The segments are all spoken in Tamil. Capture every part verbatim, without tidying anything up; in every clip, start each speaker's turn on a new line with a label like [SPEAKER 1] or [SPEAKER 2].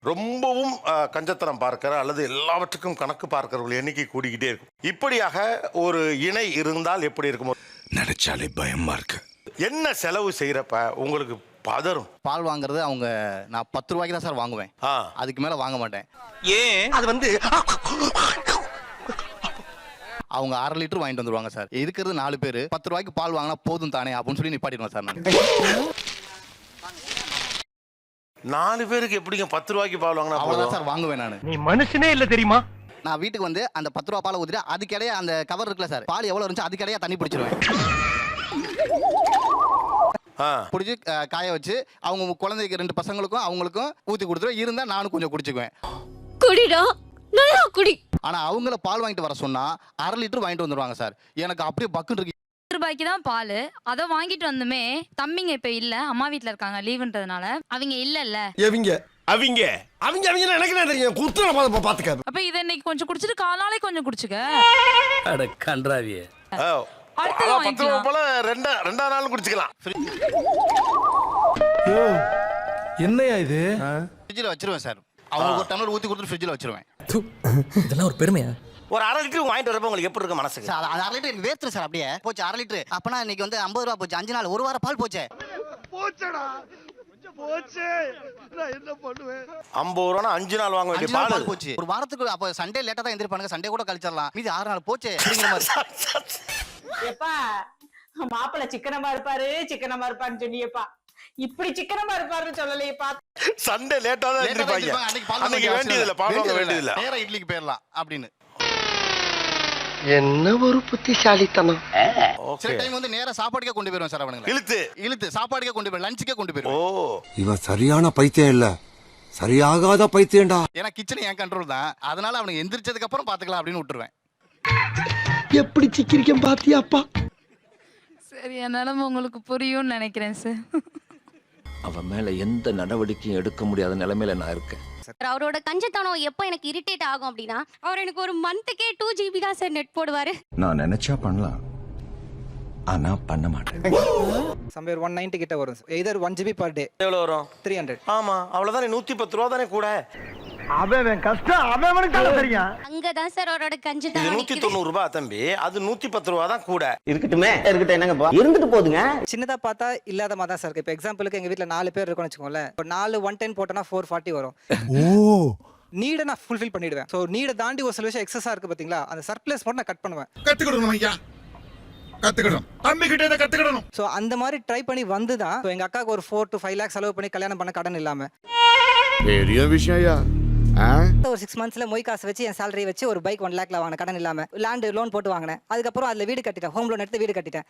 [SPEAKER 1] ரொம்பவும் அஹ், கஞ்சத்தனம் பார்க்கிற அல்லது எல்லாவற்றுக்கும் கணக்கு பார்க்கிறவர்கள் எண்ணிக்கை கூடிக்கிட்டே இருக்கும். இப்படியாக ஒரு இணை இருந்தால் எப்படி இருக்கும்?
[SPEAKER 2] நினைச்சாலே பயமா இருக்கு.
[SPEAKER 1] என்ன செலவு செய்யறப்ப உங்களுக்கு பதறும்?
[SPEAKER 3] பால் வாங்குறது அவங்க நான் பத்து ரூபாய்க்கு தான் சார் வாங்குவேன்.
[SPEAKER 1] ஆ.
[SPEAKER 3] அதுக்கு மேல வாங்க மாட்டேன்.
[SPEAKER 4] ஏன் அது வந்து
[SPEAKER 3] அவங்க அரை லிட்டர் வாங்கிட்டு வந்துருவாங்க சார். இருக்கிறது நாலு பேர், பத்து ரூபாய்க்கு பால் வாங்கினா போதும் தானே அப்படின்னு சொல்லி நிப்பாட்டிடுவேன் சார் நான்.
[SPEAKER 1] நாலு பேருக்கு எப்படிங்க பத்து ரூபாய்க்கு பால் வாங்கினா
[SPEAKER 3] அவ்வளவுதான்
[SPEAKER 1] போதும்?
[SPEAKER 3] சார் வாங்குவேன் நான்.
[SPEAKER 4] நீ மனுஷனே இல்ல தெரியுமா?
[SPEAKER 3] நான் வீட்டுக்கு வந்து அந்த பத்து ரூபா பாலை ஊத்திட்டு அதுக்கிடையே அந்த கவர் இருக்குல்ல சார், பால் எவ்வளவு இருந்துச்சு அதுக்கிடையே தண்ணி பிடிச்சிருவேன்.
[SPEAKER 1] ஆ.
[SPEAKER 3] பிடிச்சி காய வச்சு அவங்க குழந்தைக்கு ரெண்டு பசங்களுக்கும் அவங்களுக்கும் ஊத்தி கொடுத்துருவேன். இருந்தா நானும் கொஞ்சம் குடிச்சுக்குவேன்.
[SPEAKER 5] குடிடா நல்லா குடி.
[SPEAKER 3] ஆனா அவங்கள பால் வாங்கிட்டு வர சொன்னா அரை லிட்டர் வாங்கிட்டு வந்துருவாங்க சார். எனக்கு அப்படியே பக்குன்னு இருக்கு.
[SPEAKER 6] ரூபாய்க்கு தான் பால், அதை வாங்கிட்டு வந்துமே தம்பிங்க இப்ப இல்ல, அம்மா வீட்ல இருக்காங்க லீவுன்றதுனால. அவங்க இல்ல இல்ல
[SPEAKER 2] எவிங்க அவங்க அவங்க அவங்க எனக்கு என்ன தெரியும்? குத்துற பாத்து பாத்துக்க.
[SPEAKER 6] அப்ப இதை இன்னைக்கு கொஞ்சம் குடிச்சிட்டு காலாலே கொஞ்சம் குடிச்சுக்க.
[SPEAKER 7] அட கன்றாவியே.
[SPEAKER 1] ஆ.
[SPEAKER 6] அடுத்து
[SPEAKER 1] அதான் பத்து ரூபா
[SPEAKER 6] வாங்கிக்கலாம்.
[SPEAKER 1] போல ரெண்டா ரெண்டாவது நாள் குடிச்சுக்கலாம்.
[SPEAKER 2] என்னையா இது?
[SPEAKER 3] ஃப்ரிட்ஜில் வச்சிருவேன் சார். அவங்க ஒரு டம்ளர் ஊத்தி கொடுத்துட்டு ஃப்ரிட்ஜில் வச்சிருவேன்.
[SPEAKER 7] இதெல்லாம் ஒரு பெருமையா?
[SPEAKER 4] ஒரு அரை லிட்டர் வாங்கிட்டு வரப்ப உங்களுக்கு எப்படி இருக்கு மனசுக்கு?
[SPEAKER 3] சார் அது அரை லிட்டர் எனக்கு வேர்த்துரு சார். அப்படியே போச்சு அரை லிட்டர். அப்பனா இன்னைக்கு வந்து ஐம்பது ரூபா போச்சு. அஞ்சு நாள் ஒரு வாரம் பால் போச்சே.
[SPEAKER 1] ஐம்பது ரூபா அஞ்சு நாள் வாங்க வேண்டிய
[SPEAKER 3] அஞ்சு நாள்
[SPEAKER 1] பால்
[SPEAKER 3] பால் போச்சு. ஒரு வாரத்துக்கு அப்ப சண்டே லேட்டா தான் எந்திரிப்பானுங்க. சண்டே கூட கழிச்சிடலாம். மீதி ஆறு நாள் போச்சே அப்படிங்கிற மாதிரி.
[SPEAKER 8] எப்பா மாப்பிள்ள சிக்கனமா இருப்பாரு சிக்கனமா இருப்பான்னு சொன்னியப்பா, இப்படி சிக்கனமா இருப்பாருன்னு சொல்லலையேப்பா.
[SPEAKER 1] சண்டே லேட்டா தான்
[SPEAKER 3] லேட்டா தான்
[SPEAKER 1] எந்திரிப்பாங்க.
[SPEAKER 3] எந்திரிப்பாங்க. அன்னைக்கு பால் வாங்க
[SPEAKER 1] அன்னைக்கு
[SPEAKER 3] வேண்டிய
[SPEAKER 1] வேண்டியது இல்ல, பால் வாங்க
[SPEAKER 3] அவசியம்
[SPEAKER 1] வேண்டியது இல்ல.
[SPEAKER 3] நேரா இட்லிக்கு போயிடலாம் அப்படின்னு.
[SPEAKER 4] என்ன ஒரு புத்திசாலித்தனம்.
[SPEAKER 3] சில டைம் வந்து நேரா சாப்பாடுக்கே கொண்டு போயிருவேன் சார். அவனுங்க
[SPEAKER 1] இழுத்து
[SPEAKER 3] இழுத்து சாப்பாடுக்கே கொண்டு போய் லஞ்சுக்கே கொண்டு
[SPEAKER 1] ஓ
[SPEAKER 3] போயிருவேன்.
[SPEAKER 2] இவன் சரியான பைத்தியம் இல்ல, சரியாகாத பைத்தியம்டா.
[SPEAKER 3] ஏன்னா கிச்சன் என் கண்ட்ரோல் தான். அதனால அவனுக்கு எந்திரிச்சதுக்கு அப்புறம் பாத்துக்கலாம் அப்படின்னு விட்டுருவேன்.
[SPEAKER 2] எப்படி சிக்கிரிக்கம் பாத்தியாப்பா?
[SPEAKER 6] சரி, என் நிலைமை உங்களுக்கு புரியும்னு நினைக்கிறேன் சார்.
[SPEAKER 7] அவன் மேல எந்த நடவடிக்கையும் எடுக்க முடியாத நிலைமையில நான் இருக்கேன்.
[SPEAKER 5] அவரோட கஞ்சத்தனம் எப்போ எனக்கு இரிட்டேட் ஆகும் அப்படின்னா, அவர் எனக்கு ஒரு மந்த்துக்கே டூ ஜிபி தான் சார் நெட் போடுவாரு.
[SPEAKER 2] நான் நினைச்சா பண்ணலாம், ஆனா பண்ண மாட்டேன்.
[SPEAKER 9] சம்வேர் ஒன் நைன்டி கிட்ட வரும். Either one GB per day.
[SPEAKER 4] எவ்வளவு வரும்?
[SPEAKER 9] Three hundred.
[SPEAKER 4] ஆமா, அவ்வளவுதானே. நூத்தி பத்து ரூபா தானே கூட.
[SPEAKER 2] அவன் கஷ்டம் அவனுக்கு தான் தெரியும்.
[SPEAKER 5] அங்கதான் சார் அவரோட
[SPEAKER 1] இது
[SPEAKER 5] கஞ்சத்தனம்
[SPEAKER 1] நூத்தி
[SPEAKER 5] நிக்குது.
[SPEAKER 1] தொண்ணூறு ரூபாய் தம்பி, அது நூத்தி பத்து ரூபா தான் கூட.
[SPEAKER 4] இருக்கட்டுமே, இருக்கட்டும், என்னங்கப்பா இருந்துட்டு போதுங்க.
[SPEAKER 9] சின்னதா பார்த்தா இல்லாத மாதிரி தான் சார் இருக்கு. இப்போ எக்ஸாம்பிளுக்கு எங்க வீட்ல நாலு பேர் இருக்கோம்னு வச்சுக்கோங்களேன். இப்போ நாலு ஒன் டென் போட்டோன்னா ஃபோர் ஃபார்ட்டி வரும்.
[SPEAKER 2] ஓ,
[SPEAKER 9] நீடை நான் ஃபுல்ஃபில் பண்ணிடுவேன். ஸோ நீடை தாண்டி ஒரு சில விஷயம் எக்ஸஸா இருக்கு பாத்தீங்களா, அந்த சர்ப்ளஸ் மட்டும் நான் கட் பண்ணுவேன்.
[SPEAKER 2] கத்துக்கிடணும் ஐயா, கத்துக்கிடணும். தம்பி கிட்ட இதை கத்துக்கிடணும்.
[SPEAKER 9] ஸோ அந்த மாதிரி ட்ரை பண்ணி வந்து தான் இப்போ எங்க அக்காவுக்கு ஒரு ஃபோர் டு ஃபைவ் லேக்ஸ் செலவு பண்ணி கல்யாணம் பண்ண கடன் இல்லாம
[SPEAKER 2] பெரிய விஷயம் ஐயா.
[SPEAKER 9] ஒரு சிக்ஸ் மந்த்ஸ்ல மொய் காசு வச்சு என் சேலரி வச்சு ஒரு பைக் ஒன் லேக்ல வாங்கின கடன் இல்லாம லேண்ட் லோன் போட்டு வாங்கினேன். அதுக்கப்புறம் அதுல வீடு கட்டிட்டேன். ஹோம் லோன் எடுத்து வீடு கட்டிட்டேன்.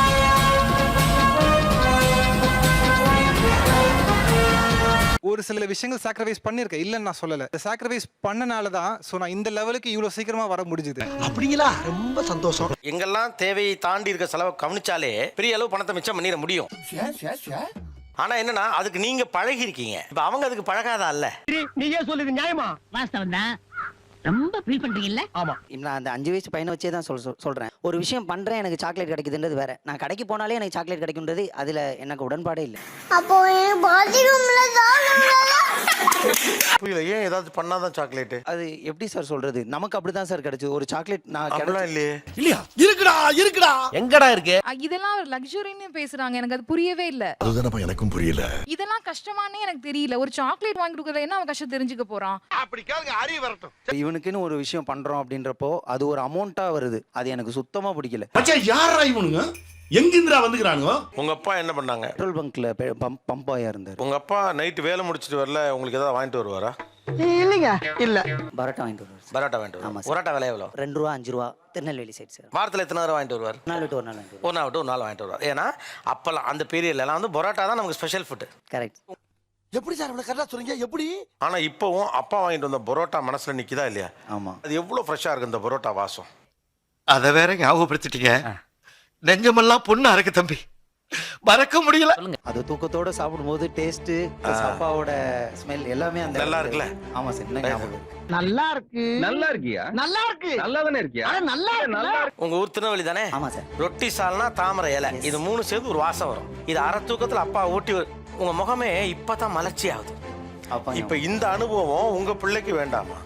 [SPEAKER 9] ஒரு சில விஷயங்கள் சாக்ரிஃபைஸ் பண்ணிருக்கேன், இல்லன்னு நான் சொல்லல. சாக்ரிஃபைஸ் பண்ணனால தான் சோ நான் இந்த லெவலுக்கு இவ்வளவு சீக்கிரமா வர முடிஞ்சது.
[SPEAKER 4] அப்படிங்களா? ரொம்ப சந்தோஷம்.
[SPEAKER 1] எங்கெல்லாம் தேவையை தாண்டி இருக்க செலவை கவனிச்சாலே பெரிய அளவு பணத்தை மிச்சம் பண்ணிட முடியும். ஆனா என்னன்னா அதுக்கு நீங்க பழகி இருக்கீங்க. இப்ப அவங்க அதுக்கு பழகாதா இல்ல.
[SPEAKER 4] நீயே சொல்லுது நியாயமா?
[SPEAKER 8] வாஸ்தவம் தான். ரொம்ப ஃபீல் பண்றீங்கல்ல?
[SPEAKER 4] ஆமா.
[SPEAKER 10] நான் அந்த அஞ்சு வயசு பையனை வச்சே தான் சொல் சொல்- சொல்றேன். ஒரு விஷயம் பண்றேன், எனக்கு சாக்லேட் கிடைக்குதுன்றது வேற. நான் கடைக்கு போனாலே எனக்கு சாக்லேட் கிடைக்கும்ன்றது அதுல எனக்கு உடன்பாடே இல்லை.
[SPEAKER 5] அப்போ பாத்ரூம்ல தான்
[SPEAKER 1] புரியல, ஏன் ஏதாவது பண்ணாதான் சாக்லேட்?
[SPEAKER 10] அது எப்படி சார் சொல்றது? நமக்கு அப்படிதான் சார் கிடைச்சது. ஒரு சாக்லேட் நான்
[SPEAKER 1] அப்படிலாம் இல்லையே.
[SPEAKER 2] இல்லையா? இருக்குடா இருக்குடா.
[SPEAKER 4] எங்கடா இருக்கு?
[SPEAKER 6] இதெல்லாம் ஒரு லக்ஸுரின்னு பேசுறாங்க, எனக்கு அது புரியவே இல்ல.
[SPEAKER 2] அதுதானப்பா எனக்கும் புரியல.
[SPEAKER 6] இதெல்லாம் கஷ்டமானே எனக்கு தெரியல. ஒரு சாக்லேட் வாங்கி கொடுக்கறதுல என்ன அவன் கஷ்டம் தெரிஞ்சுக்க போறான்?
[SPEAKER 1] அப்படி கேளுங்க, அறிவு வரட்டும்.
[SPEAKER 10] இவனுக்குன்னு ஒரு விஷயம் பண்றோம் அப்படின்றப்போ அது ஒரு அமௌண்ட்டா வருது. அது எனக்கு சுத்தமா பிடிக்கல.
[SPEAKER 2] மச்சான் யாரா இவனுங்க? எங்கிந்திரா வந்துக்கறானுங்க?
[SPEAKER 1] உங்க அப்பா என்ன பண்ணாங்க?
[SPEAKER 10] பெட்ரோல் பங்க்ல பம்ப் பம்ப் ஆயா இருந்தாரு.
[SPEAKER 1] உங்க அப்பா நைட் வேலை முடிச்சிட்டு வரல, உங்களுக்கு ஏதாவது வாங்கிட்டு வருவாரா?
[SPEAKER 4] இல்லைங்க, இல்ல.
[SPEAKER 10] பரோட்டா வாங்கிட்டு வருவார்.
[SPEAKER 1] பரோட்டா வாங்கிட்டு
[SPEAKER 10] ஆமா
[SPEAKER 1] வருவார்.
[SPEAKER 10] சார்.
[SPEAKER 1] பரோட்டா விலை எவ்வளோ?
[SPEAKER 10] ரெண்டு ரூபா அஞ்சு ரூபா திருநெல்வேலி சைடு சார்.
[SPEAKER 1] வாரத்தில் எத்தனை தடவை வாங்கிட்டு வருவார்?
[SPEAKER 10] நாலு விட்டு ஒரு நாள் வாங்கிட்டு
[SPEAKER 1] ஒரு நாள் விட்டு ஒரு நாள் வாங்கிட்டு வருவார். ஏன்னா அப்பெல்லாம் அந்த பீரியட்லாம் வந்து பரோட்டா தான் நமக்கு ஸ்பெஷல் ஃபுட்.
[SPEAKER 10] கரெக்ட்.
[SPEAKER 2] எப்படி சார் இவ்வளவு கரெக்டா சொல்றீங்க? எப்படி?
[SPEAKER 1] ஆனா இப்போவும் அப்பா வாங்கிட்டு வந்த பரோட்டா மனசுல நிக்குதா இல்லையா?
[SPEAKER 10] ஆமா.
[SPEAKER 1] அது எவ்வளவு ஃப்ரெஷ்ஷா இருக்கு இந்த பரோட்டா வாசம்.
[SPEAKER 7] அத வேற ஞாபகப்படுத்திட்டீங்க. நெஞ்சமெல்லாம் பொண்ணா இருக்கு தம்பி, மறக்க முடியல.
[SPEAKER 10] அது தூக்கத்தோட சாப்பிடும்போது டேஸ்ட், அப்பாவோட ஸ்மெல் எல்லாமே அந்த
[SPEAKER 1] நல்லா இருக்குல்ல?
[SPEAKER 10] ஆமா சார். என்ன ஞாபகம் இருக்கு.
[SPEAKER 4] நல்லா இருக்கு.
[SPEAKER 7] நல்லா இருக்கியா?
[SPEAKER 4] நல்லா இருக்கு.
[SPEAKER 7] நல்லா தானே இருக்கியா?
[SPEAKER 4] அட நல்லா இருக்கு.
[SPEAKER 1] உங்க ஊர் திருநெல்வேலி தானே?
[SPEAKER 10] ஆமா சார்.
[SPEAKER 1] ரொட்டி சால்னா தாமரை இலை, இது மூணு சேர்ந்து ஒரு வாசம் வரும். இது அரை தூக்கத்துல அப்பா ஊட்டி வ- உங்க முகமே இப்பதான் மலர்ச்சி ஆகுது.
[SPEAKER 10] அப்பா
[SPEAKER 1] இப்ப இந்த அனுபவம் உங்க பிள்ளைக்கு வேண்டாமா?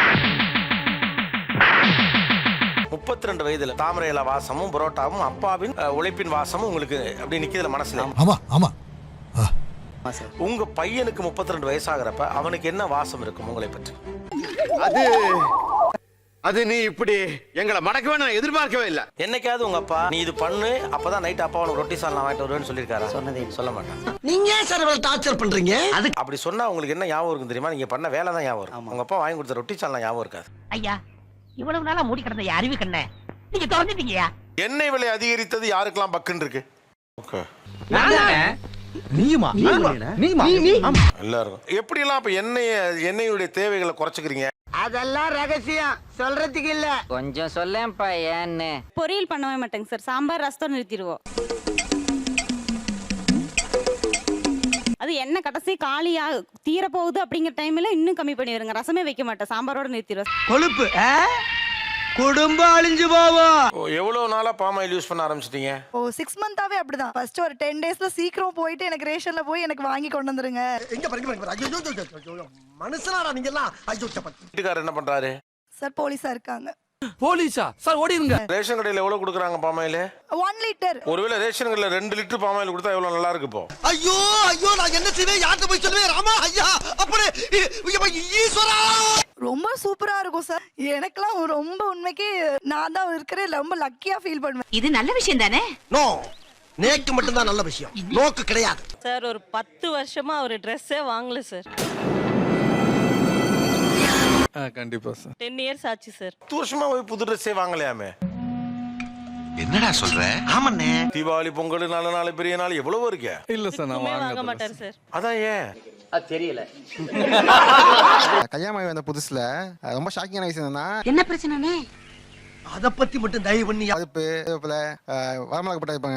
[SPEAKER 1] முப்பத்தி ரெண்டு வயதுல தாமரை இலை வாசமும் புரோட்டாவும் அப்பாவின் அஹ், உழைப்பின் வாசமும் உங்களுக்கு அப்படி நிக்குதுல மனசுல.
[SPEAKER 2] ஆமா ஆமா
[SPEAKER 10] ஆமா சார்.
[SPEAKER 1] உங்க பையனுக்கு முப்பத்தி ரெண்டு வயசாகிறப்ப அவனுக்கு என்ன வாசம் இருக்கும் உங்களை பற்றி?
[SPEAKER 2] அது அது நீ இப்படி எங்களை மடக்கவே நான் எதிர்பார்க்கவே இல்ல.
[SPEAKER 1] என்னைக்காவது உங்க அப்பா நீ இது பண்ணு அப்பதான் நைட் அப்பா உனக்கு ரொட்டி சால்னா வாங்கிட்டு வருவேன்னு சொல்லியிருக்காரா?
[SPEAKER 10] சொன்னதே இல்லை.
[SPEAKER 1] சொல்ல மாட்டேன்.
[SPEAKER 4] நீங்க ஏன் சார் இவ்வளவு டார்ச்சர் பண்றீங்க? அது
[SPEAKER 1] அப்படி சொன்னா உங்களுக்கு என்ன ஞாபகம் இருக்கும் தெரியுமா? நீங்க பண்ண வேலை தான் ஞாபகம் இருக்கும். உங்க அப்பா வாங்கி கொடுத்த ரொட்டி சால்னா ஞாபகம் இருக்காது.
[SPEAKER 4] ஐயா இவ்வளவு நாளா மூடி கிடந்த அறிவு கண்ண நீங்க திறந்துட்டீங்கயா.
[SPEAKER 1] எண்ணெய் விலை அதிகரித்தது யாருக்கெல்லாம் பக்குன்னு இருக்கு? ஓகே,
[SPEAKER 4] நீயுமா நீயுமா
[SPEAKER 1] எல்லாருக்கும். எப்படி எல்லாம் இப்ப எண்ணெய் எண்ணெயுடைய தேவைகளை குறைச்சுக்கிறீங்க?
[SPEAKER 4] அதெல்லாம் ரகசியம் சொல்றதுக்கு இல்ல.
[SPEAKER 10] கொஞ்சம் சொல்லேன்ப்பா ஏன்னு.
[SPEAKER 8] பொரியல் பண்ணவே மாட்டேங்க சார். சாம்பார் ரசம் நிறுத்திடுவோம். அது என்ன கடைசி காலியா தீர போகுது அப்படிங்கிற டைம்ல இன்னும் கம்மி பண்ணிடுங்க. ரசமே வைக்க மாட்டேன், சாம்பாரோட நிறுத்திடுவோம்.
[SPEAKER 4] கொழுப்பு குடும்பம் அழிஞ்சு போவோம்.
[SPEAKER 1] ஓ, எவ்வளவு நாளா பாம் ஆயில் யூஸ் பண்ண ஆரம்பிச்சிட்டீங்க?
[SPEAKER 9] ஓ சிக்ஸ் மந்தாவே அப்படிதான். ஃபர்ஸ்ட் ஒரு டென் டேஸ்ல சீக்கிரம் போயிட்டு எனக்கு ரேஷன்ல போய் எனக்கு வாங்கி கொண்டு வந்துருங்க.
[SPEAKER 4] எங்க பாருங்க பாருங்க. ஐயோ ஐயோ ஐயோ மனுஷனாடா நீங்க எல்லாம். ஐயோ சப்பா.
[SPEAKER 1] வீட்டுக்காரர் என்ன பண்றாரு?
[SPEAKER 9] சார் போலீஸா இருக்காங்க.
[SPEAKER 4] போலீஸா சார் ஓடிருங்க.
[SPEAKER 1] ரேஷன் கடையில எவ்வளவு கொடுக்குறாங்க பாம் ஆயில்?
[SPEAKER 9] One litre.
[SPEAKER 1] ஒருவேளை ரேஷன் கடையில ரெண்டு லிட்டர் பாம் ஆயில் கொடுத்தா எவ்வளவு நல்லா இருக்கு இப்போ?
[SPEAKER 4] ஐயோ ஐயோ நான் என்ன செய்வேன்? யார்கிட்ட போய் சொல்லுவேன்? ராமா ஐயா அப்படி ஈஸ்வரா.
[SPEAKER 9] ரொம்ப சூப்பரா இருக்கும் சார். எனக்கெல்லாம் ரொம்ப உண்மைக்கு நான் தான் இருக்கிறேன் ரொம்ப லக்கியா ஃபீல் பண்ணுவேன்.
[SPEAKER 8] இது நல்ல விஷயம் தானே?
[SPEAKER 4] நோ நேக்கு மட்டும் தான் நல்ல விஷயம், நோக்கு கிடையாது.
[SPEAKER 8] சார் ஒரு பத்து வருஷமா ஒரு ட்ரெஸ்ஸே வாங்கல சார்.
[SPEAKER 3] கண்டிப்பா சார்.
[SPEAKER 8] டென் இயர்ஸ் ஆச்சு சார்.
[SPEAKER 1] பத்து வருஷமா போய் புது ட்ரெஸ்ஸே வாங்கலையாமே?
[SPEAKER 7] என்னடா சொல்ற?
[SPEAKER 4] ஆமாண்ணே.
[SPEAKER 1] தீபாவளி, பொங்கல், நல்ல நாள், பெரிய நாள் எவ்வளவு இருக்கு.
[SPEAKER 3] இல்ல சார் நான்
[SPEAKER 8] வாங்க மாட்டார் சார்.
[SPEAKER 1] அதான் ஏன்
[SPEAKER 10] அது தெரியல.
[SPEAKER 3] கல்யாணம் வந்த புதுசுல ரொம்ப ஷாக்கிங்கான விஷயம் என்னன்னா
[SPEAKER 8] என்ன பிரச்சனைனே?
[SPEAKER 4] அத பத்தி மட்டும் தயவு பண்ணி.
[SPEAKER 3] அதுப்பு வரமிளகா போட்டு வைப்பாங்க.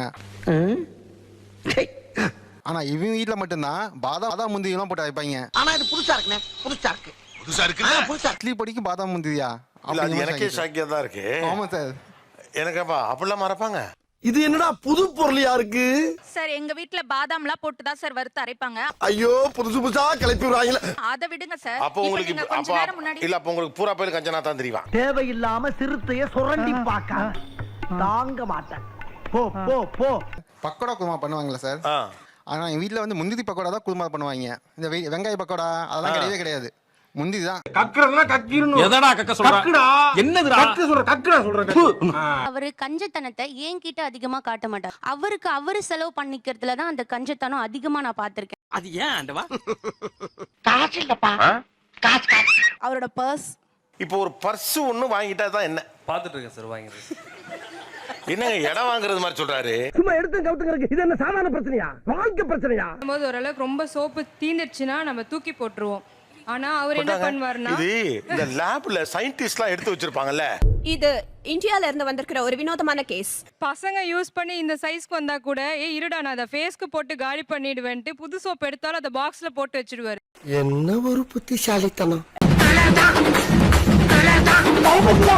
[SPEAKER 3] ஆனா இவங்க வீட்டுல மட்டும்தான் பாதாம் பாதாம் முந்திரி எல்லாம் போட்டு வைப்பாங்க.
[SPEAKER 4] ஆனா இது புதுசா இருக்குண்ணே. புதுசா இருக்கு.
[SPEAKER 7] புதுசா இருக்கு.
[SPEAKER 4] புதுசா
[SPEAKER 3] இட்லி பொடிக்கும் பாதாம் முந்திரியா?
[SPEAKER 1] இல்ல, அது எனக்கே ஷாக்கியா தான் இருக்கு.
[SPEAKER 3] ஆமா சார்.
[SPEAKER 1] எனக்கு அப்பா அப்படிலாம் மறப்பாங்க.
[SPEAKER 2] இது என்னடா புது பொருளியா இருக்கு?
[SPEAKER 6] சார் எங்க வீட்ல பாதாம்லாம் போட்டு தான் சார் வறுத்து அரைப்பாங்க.
[SPEAKER 2] ஐயோ புதுசு புதுசா கிளப்பி விடுறாங்களே.
[SPEAKER 6] அதை விடுங்க சார்.
[SPEAKER 1] அப்போ உங்களுக்கு
[SPEAKER 6] இப்ப நீங்க கொஞ்ச
[SPEAKER 1] அப்பா
[SPEAKER 6] நேரம் முன்னாடி
[SPEAKER 1] இல்ல அப்ப உங்களுக்கு பூரா பேர் கஞ்சனா தான் தெரியும்.
[SPEAKER 4] தேவையில்லாம சிறுத்தைய சுரண்டி பார்க்க தாங்க மாட்டேன். போ போ போ.
[SPEAKER 3] பக்கோடா குருமா பண்ணுவாங்களா சார்?
[SPEAKER 1] ஆ.
[SPEAKER 3] ஆனா எங்க வீட்டுல வந்து முந்திரி பக்கோடா தான் குருமா பண்ணுவாங்க. இந்த வெ- வெங்காய பக்கோடா அதெல்லாம் கிடையவே கிடையாது. முந்திரி தான்.
[SPEAKER 2] கக்குறதுனா கக்கிரணும். எதடா கக்க சொல்ற? கக்குடா. என்னதுடா? கக்கு சொல்ற கக்குடா சொல்றேன்.
[SPEAKER 5] அவரு கஞ்சத்தனத்தை என்கிட்ட அதிகமா காட்ட மாட்டார். அவருக்கு அவரு செலவு பண்ணிக்கிறதுல தான் அந்த கஞ்சத்தனம் அதிகமா நான் பார்த்திருக்கேன்.
[SPEAKER 4] அது ஏன் ஆண்டவா?
[SPEAKER 8] காசு இல்லப்பா. காசு காசு.
[SPEAKER 9] அவரோட பர்ஸ்.
[SPEAKER 1] இப்போ ஒரு பர்ஸ் ஒண்ணு வாங்கிட்டா தான் என்ன?
[SPEAKER 3] பாத்துட்டு இருக்கேன் சார் வாங்குறது.
[SPEAKER 1] என்னங்க இடம் வாங்குறது மாதிரி சொல்றாரு?
[SPEAKER 4] சும்மா எடுத்து கவுத்துங்க. இது என்ன சாதாரண பிரச்சனையா? வாழ்க்கை பிரச்சனையா?
[SPEAKER 6] போது ஓரளவுக்கு ரொம்ப சோப்பு தீந்துடுச்சுன்னா நம்ம தூக்கி போட்டுருவோம். ஆனா அவர் என்ன பண்ணுவாருன்னா
[SPEAKER 1] இது இந்த லேப்ல சயின்டிஸ்ட்லாம் எடுத்து வச்சிருப்பாங்கல்ல.
[SPEAKER 8] இது இந்தியால இருந்து வந்திருக்கிற ஒரு வினோதமான கேஸ்.
[SPEAKER 6] பசங்க யூஸ் பண்ணி இந்த சைஸ்க்கு வந்தா கூட ஏ இருடா நான் அதை ஃபேஸ்க்கு போட்டு காலி பண்ணிடுவேன்ட்டு புது சோப் எடுத்தாலும் அதை பாக்ஸ்ல போட்டு வச்சிடுவாரு.
[SPEAKER 4] என்ன ஒரு புத்திசாலித்தனம்.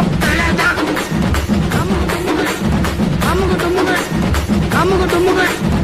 [SPEAKER 4] அமுகு டுமுகு அமுகு டுமுகு